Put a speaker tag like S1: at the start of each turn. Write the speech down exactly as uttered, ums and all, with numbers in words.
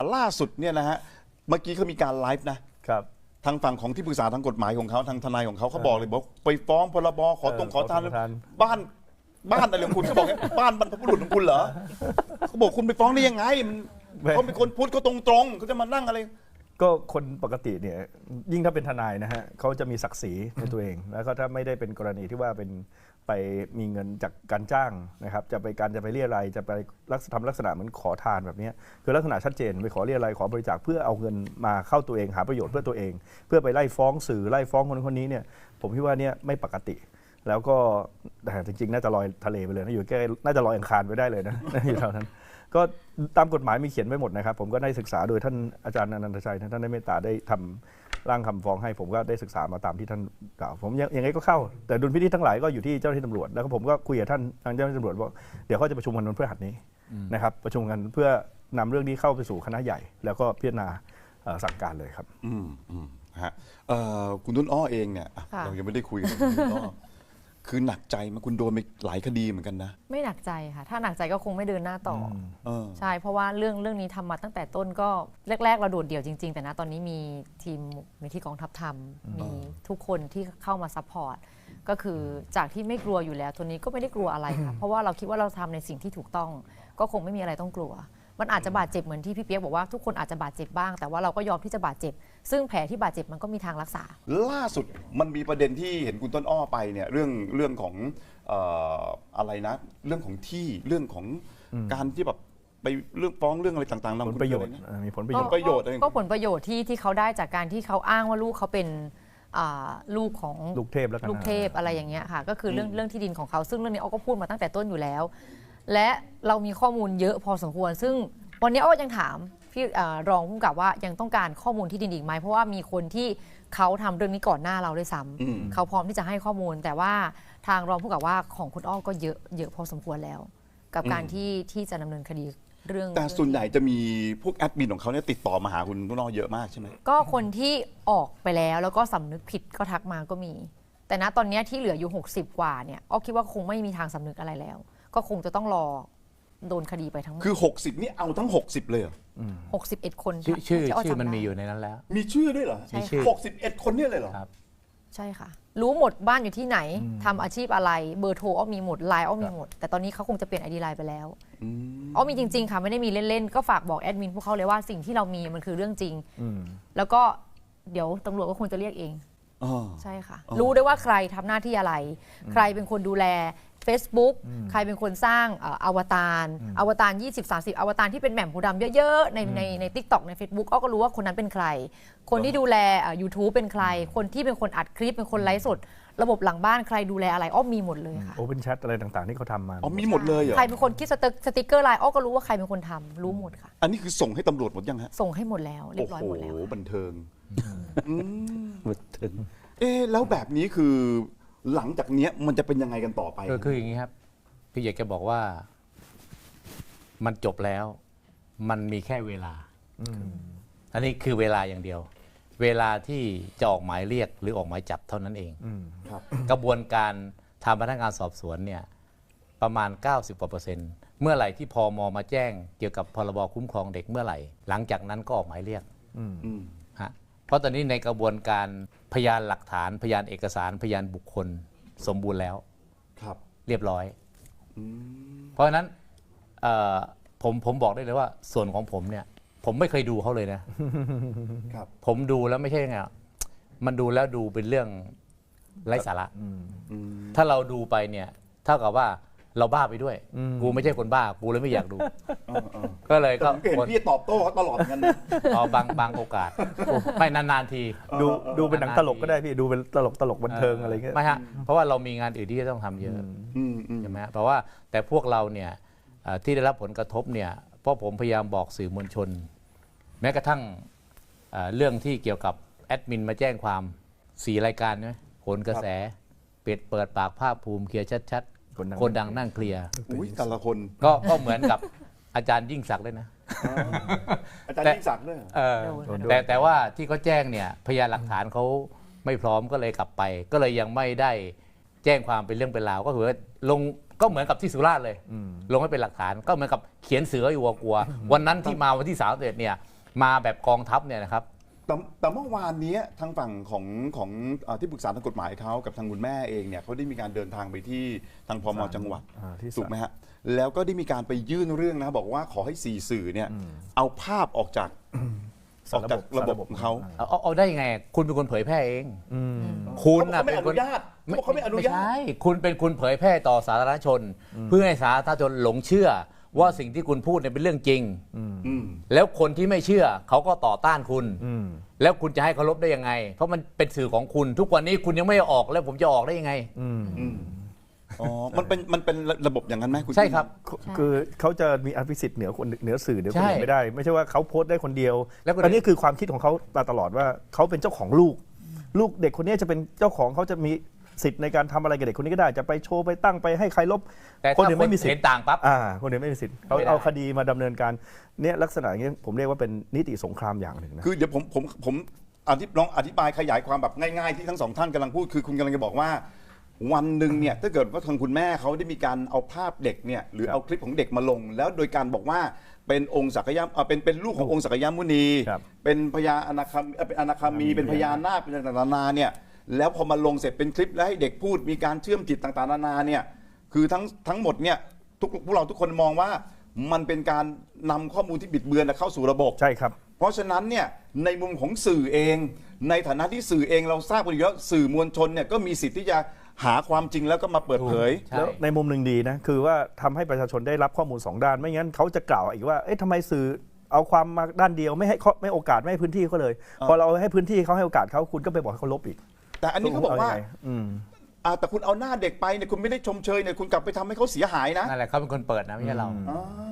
S1: ล่าสุดเนี่ยนะฮะเมื่อกี้เขามีการไลฟ์นะครับทางฝั่งของที่ปรึกษาทางกฎหมายของเขาทางทนายของเขาเขาบอกเลยบอกไปฟ้องพรบขอตรงขอทานบ้านบ้านอะไรของคุณเขาบอกบ้านบรรพบุรุษของคุณเหรอเขาบอกคุณไปฟ้องได้ยังไงมันเขาเป็นคนพูดเขาตรงๆเขาจะมานั่งอะไร
S2: ก็คนปกติเนี่ยยิ่งถ้าเป็นทนายนะฮะเขาจะมีศักดิ์ศรีในตัวเองแล้วก็ถ้าไม่ได้เป็นกรณีที่ว่าเป็นไปมีเงินจากการจ้างนะครับจะไปการจะไปเรียอะไรจะไปลักษณะทำลักษณะเหมือนขอทานแบบนี้คือลักษณะชัดเจนไปขอเรียอะไรขอบริจาคเพื่อเอาเงินมาเข้าตัวเองหาประโยชน์เพื่อตัวเองเพื่อไปไล่ฟ้องสื่อไล่ฟ้องคนคนนี้เนี่ยผมคิดว่าเนี่ยไม่ปกติแล้วก็แต่จริงๆน่าจะลอยทะเลไปเลยนะอยู่แค่น่าจะลอยอังคารไปได้เลยนะอยู่แถวนั้นก็ตามกฎหมายมีเขียนไว้หมดนะครับผมก็ได้ศึกษาโดยท่านอาจารย์อนันตชัยท่านได้เมตตาได้ทำร่างคำฟ้องให้ผมก็ได้ศึกษามาตามที่ท่านกล่าวผมยังไงก็เข้าแต่ดุลพินิจทั้งหลายก็อยู่ที่เจ้าหน้าที่ตำรวจแล้วก็ผมก็คุยกับท่านทางเจ้าหน้าที่ตำรวจว่าเดี๋ยวเขาจะประชุมกันวันพฤหัสนี้นะครับประชุมกันเพื่อนำเรื่องนี้เข้าไปสู่คณะใหญ่แล้วก็พิจารณาสั่งการเลยครับ
S1: อืมอืมฮะคุณต้นอ้อเองเนี่ยเรายังไม่ได้คุยกันคุณต้นอ้อคือหนักใจไหมคุณโดนไปหลายคดีเหมือนกันนะ
S3: ไม่หนักใจค่ะถ้าหนักใจก็คงไม่เดินหน้าต่อใช่เพราะว่าเรื่องเรื่องนี้ทำมาตั้งแต่ต้นก็แรกๆเราโดดเดี่ยวจริงๆแต่นะตอนนี้มีทีมมีที่กองทัพทำมีทุกคนที่เข้ามาซัพพอร์ตก็คือจากที่ไม่กลัวอยู่แล้วตัวนี้ก็ไม่ได้กลัวอะไรค่ะเพราะว่าเราคิดว่าเราทำในสิ่งที่ถูกต้องก็คงไม่มีอะไรต้องกลัวมันอาจจะบาดเจ็บเหมือนที่พี่เปี๊ยกบอกว่าทุกคนอาจจะบาดเจ็บบ้างแต่ว่าเราก็ยอมที่จะบาดเจ็บซึ่งแผลที่บาดเจ็บมันก็มีทางรักษา
S1: ล่าสุดมันมีประเด็นที่เห็นคุณต้นอ้อไปเนี่ยเรื่องเรื่องของเอ่ออะไรนะเรื่องของที่เรื่องของการที่แบบไปเรื่องฟ้องเรื่องอะไรต่างๆ
S2: ผลประโยชน์มีผลประโยชน์
S1: ประโยชน์
S3: ก็ผลประโยชน์ที่ที่เขาได้จากการที่เขาอ้างว่าลูกเขาเป็นลูกของ
S2: ลูกเทพแล้วกัน
S3: ลูกเทพอะไรอย่างเงี้ยค่ะก็คือเรื่องเรื่องที่ดินของเขาซึ่งเรื่องนี้อ้อก็พูดมาตั้งแต่ต้นอยู่แล้วและเรามีข้อมูลเยอะพอสมควรซึ่งวันนี้อ้อยังถามพี่รองผู้กำกับว่ายังต้องการข้อมูลที่ดินอีกไหมเพราะว่ามีคนที่เขาทำเรื่องนี้ก่อนหน้าเราด้วยซ้ำเขาพร้อมที่จะให้ข้อมูลแต่ว่าทางรองผู้กำกับว่าของคุณอ้อก็เยอะเยอะพอสมควรแล้วกับการที่ที่จะดำเนินคดีเรื่อง
S1: แต่ส่วนใหญ่จะมีพวกแอดมินของเขาเนี่ยติดต่อมาหาคุณต้นอ้อเยอะมากใช่ไหม
S3: ก็คนที่ออกไปแล้วแล้วก็สำนึกผิดก็ทักมาก็มีแต่ณตอนนี้ที่เหลืออยู่หกสิบกว่าเนี่ยอ้อคิดว่าคงไม่มีทางสำนึกอะไรแล้วก็คงจะต้องรอโดนคดีไปทั้งหมด
S1: คือหกสิบนี่เอาทั้งหกสิบเลยเหรอ
S3: หกสิบเอ็ดคน
S4: ชื่อชื่อชื่อมันมีอยู่ในนั้นแล้ว
S1: มีชื่อด้วยเหรอ
S3: มีชื่อ
S1: หกสิบเอ็ดคนเนี่ยเลยเหรอ
S3: ครับใช่ค่ะรู้หมดบ้านอยู่ที่ไหนทำอาชีพอะไรเบอร์โทรอ้อมีหมดไลน์อ้อมีหมดแต่ตอนนี้เขาคงจะเปลี่ยนไอดีไลน์ไปแล้วอ้อมีจริงๆค่ะไม่ได้มีเล่นๆก็ฝากบอกแอดมินพวกเขาเลยว่าสิ่งที่เรามีมันคือเรื่องจริงแล้วก็เดี๋ยวตำรวจก็คงจะเรียกเองใช่ค่ะรู้ได้ว่าใครทำหน้าที่อะไรใครเป็นคนดูแลFacebook ใครเป็นคนสร้างอวตารอวตารยี่สิบ สามสิบอวตารที่เป็นแหม่มโพธิ์ดำเยอะๆในในใน TikTok ใน Facebook อ้อก็รู้ว่าคนนั้นเป็นใครคนที่ดูแล YouTube เป็นใครคนที่เป็นคนอัดคลิปเป็นคนไลฟ์สดระบบหลังบ้านใครดูแลอะไรอ้อมีหมดเลยค่ะ
S2: Open Chat อะไรต่างๆที่เขาทำมา
S1: อ๋อมีหมดเลยเหรอ
S3: ใครเป็นคนคิดสติ๊กเกอร์ไลน์อ้อก็รู้ว่าใครเป็นคนทำรู้หมดค่ะ
S1: อันนี้คือส่งให้ตำรวจหมดยังฮะ
S3: ส่งให้หมดแล้วเรียบร้อยหมดแล้ว
S1: โอ้โหบันเทิง
S4: บันเทิง
S1: เอ๊ะแล้วแบบนี้คือหลังจากนี้มันจะเป็นยังไงกันต่อไป
S4: คืออย่างนี้ครับพี่อยากจะบอกว่ามันจบแล้วมันมีแค่เวลาอันนี้คือเวลาอย่างเดียวเวลาที่จะออกหมายเรียกหรือออกหมายจับเท่านั้นเองกระบวนการทางพนักงานสอบสวนเนี่ยประมาณ เก้าสิบกว่าเปอร์เซ็นต์เมื่อไหร่ที่พม.มาแจ้งเกี่ยวกับพรบคุ้มครองเด็กเมื่อไหร่หลังจากนั้นก็ออกหมายเรียกฮะเพราะตอนนี้ในกระบวนการพยานหลักฐานพยานเอกสารพยานบุคคลสมบูรณ์แล้ว
S1: ครับ
S4: เรียบร้อยเพราะฉะนั้นผมผมบอกได้เลยว่าส่วนของผมเนี่ยผมไม่เคยดูเขาเลยนะครับผมดูแล้วไม่ใช่ไงมันดูแล้วดูเป็นเรื่องไร้สาระถ้าเราดูไปเนี่ยเท่ากับว่าเราบ้าไปด้วยกูไม่ใช่คนบ้ากูเลยไม่อยากดูก็เลยก็
S1: คนพี่ตอบโต้เขาตลอดกันนะ
S4: อ๋อบางบางโอกาสไม่นานๆที
S2: ดูดูเป็นหนังตลกก็ได้พี่ดูเป็นตลกตลกบันเทิงอะไรเงี้ย
S4: ไม่ฮะเพราะว่าเรามีงานอื่นที่จะต้องทำเยอะใช่ไหมเพราะว่าแต่พวกเราเนี่ยที่ได้รับผลกระทบเนี่ยเพราะผมพยายามบอกสื่อมวลชนแม้กระทั่งเรื่องที่เกี่ยวกับแอดมินมาแจ้งความสี่รายการนะโหนกระแสเปิดเปิดปากภาคภูมิเคลียร์ชัดๆคนดังนั่งเคลียร์
S1: แต่ละคน
S4: ก็ก็เหมือนกับอาจารย์ยิ่งศักดิ์เลยนะ
S1: อาจารย์ยิ่งศักดิ์ด้วย
S4: แต่แต่ว่าที่เขาแจ้งเนี่ยพยานหลักฐานเขาไม่พร้อมก็เลยกลับไปก็เลยยังไม่ได้แจ้งความเป็นเรื่องเป็นราวก็คือลงก็เหมือนกับที่สุราษฎร์เลยลงให้เป็นหลักฐานก็เหมือนกับเขียนเสืออยู่กลัววันนั้นที่มาวันที่สามสิบเอ็ดเนี่ยมาแบบกองทัพเนี่ยนะครับ
S1: แต่แต่เมื่อวานนี้ทางฝั่งของของเอ่อที่ปรึกษาทางกฎหมายเขากับทางคุณแม่เองเนี่ยเขาได้มีการเดินทางไปที่ทางพมจังหวัด
S2: อ่าที่ศาล
S1: ถูกไหมฮะแล้วก็ได้มีการไปยื่นเรื่องนะบอกว่าขอให้สี่สื่อเนี่ยเอาภาพออกจากออกจากระบบของเขา
S4: เอาเอาเอาได้ยังไง คุณเป็นคนเผยแพร่เอง
S2: อืม
S4: คุณ
S1: เขา
S4: น่ะ
S1: ไม่
S4: เป็
S1: อน
S4: ค
S1: นุ
S4: น
S1: ญาตเขาบอกเขาไม่อนุญาต
S4: ใช่คุณเป็นคุณเผยแพร่ต่อสาธารณชน เพื่อให้สาธารณชนหลงเชื่อว่าสิ่งที่คุณพูดเนี่ยเป็นเรื่องจริง
S1: อืม
S4: แล้วคนที่ไม่เชื่อเขาก็ต่อต้านคุณ
S2: อืม
S4: แล้วคุณจะให้เคารพได้ยังไง เพราะมันเป็นสื่อของคุณ ทุกวันนี้คุณยังไม่ออกแล้วผมจะออกได้ยังไง
S2: อืม
S1: อืมอ๋อมันเป็นมันเป็นระบบอย่างนั้นไหมคุณ
S4: ใช่ครับ
S2: คือเขาจะมีอภิสิทธิ์เหนือคนเหนือสื่อเหนือคน
S4: ใช่
S2: อื่นไม่ได้ ไม่ใช่ว่าเขาโพสต์ได้คนเดียว
S4: แล้วก็
S2: อันนี้คือความคิดของเขามาตลอดว่าเขาเป็นเจ้าของลูก ลูกเด็กคนนี้จะเป็นเจ้าของเขาจะมีสิทธิ์ในการทำอะไรกับเด็กคนนี้ก็ได้จะไปโชว์ไปตั้งไปให้ใครลบ
S4: แต่
S2: คน
S4: ถ้า
S2: อื่น
S4: คน
S2: ไม่มีสิท
S4: เห็น
S2: ธิ์
S4: ต่างปั๊บ
S2: อ่าคนอื่นไม่มีสิทธิ์เขา
S4: ไม่ได้
S2: เอาคดีมาดำเนินการเนี่ยลักษณะอย่างนี้ผมเรียกว่าเป็นนิติสงครามอย่างหนึ่งนะ
S1: คือเดี๋ยวผมผมผมอธิบลองอธิบายขยายความแบบง่ายๆที่ทั้งสองท่านกำลังพูดคือคุณกำลังจะบอกว่า วันหนึ่งเนี่ยถ้าเกิดว่าทางคุณแม่เขาได้มีการเอาภาพเด็กเนี่ยหรือเอาคลิปของเด็กมาลง แล้วโดยการบอกว่าเป็นองค์ศักยะเอ่อเป็นเป็นลูกขององค์ศักยมุนี
S2: ครับ
S1: เป็นพญาอนาคาเอ่อเป็นอนาคามีเป็นพญานาคเป็นต่างๆนานาเนี่ยแล้วพอมาลงเสร็จเป็นคลิปแล้วให้เด็กพูดมีการเชื่อมจิตต่างๆนานาเนี่ยคือทั้งทั้งหมดเนี่ยทุกพวกเราทุกคนมองว่ามันเป็นการนำข้อมูลที่บิดเบือนเข้าสู่ระบบ
S2: ใช่ครับ
S1: เพราะฉะนั้นเนี่ยในมุมของสื่อเอง ในฐานะที่สื่อเองเราทราบกันอยู่แล้วสื่อมวลชนเนี่ยก็มีสิทธิ์ที่จะหาความจริงแล้วก็มาเปิดเผย
S4: ใช่
S2: แล้วในมุมหนึ่งดีนะคือว่าทำให้ประชาชนได้รับข้อมูลสองด้าน ไม่งั้นเขาจะกล่าวอีกว่าเอ๊ะทำไมสื่อเอาความมาด้านเดียวไม่ให้ข้อไม่โอกาสไม่ให้พื้นที่เขาเลย พอเราให้พื้นที่เขาให้โอกาสเขาคุณก็ไปบอกให้เขาลบอีก
S1: แต่อันนี้เขาบอกว่า
S2: เยังไงอืม
S1: อ่าแต่คุณเอาหน้าเด็กไปเนี่ยคุณไม่ได้ชมเชยเนี่ยคุณกลับไปทำให้เขาเสียหายนะ
S4: นั่นแหละเขาเป็นคนเปิดนะไม่ใช่เรา
S1: อ่า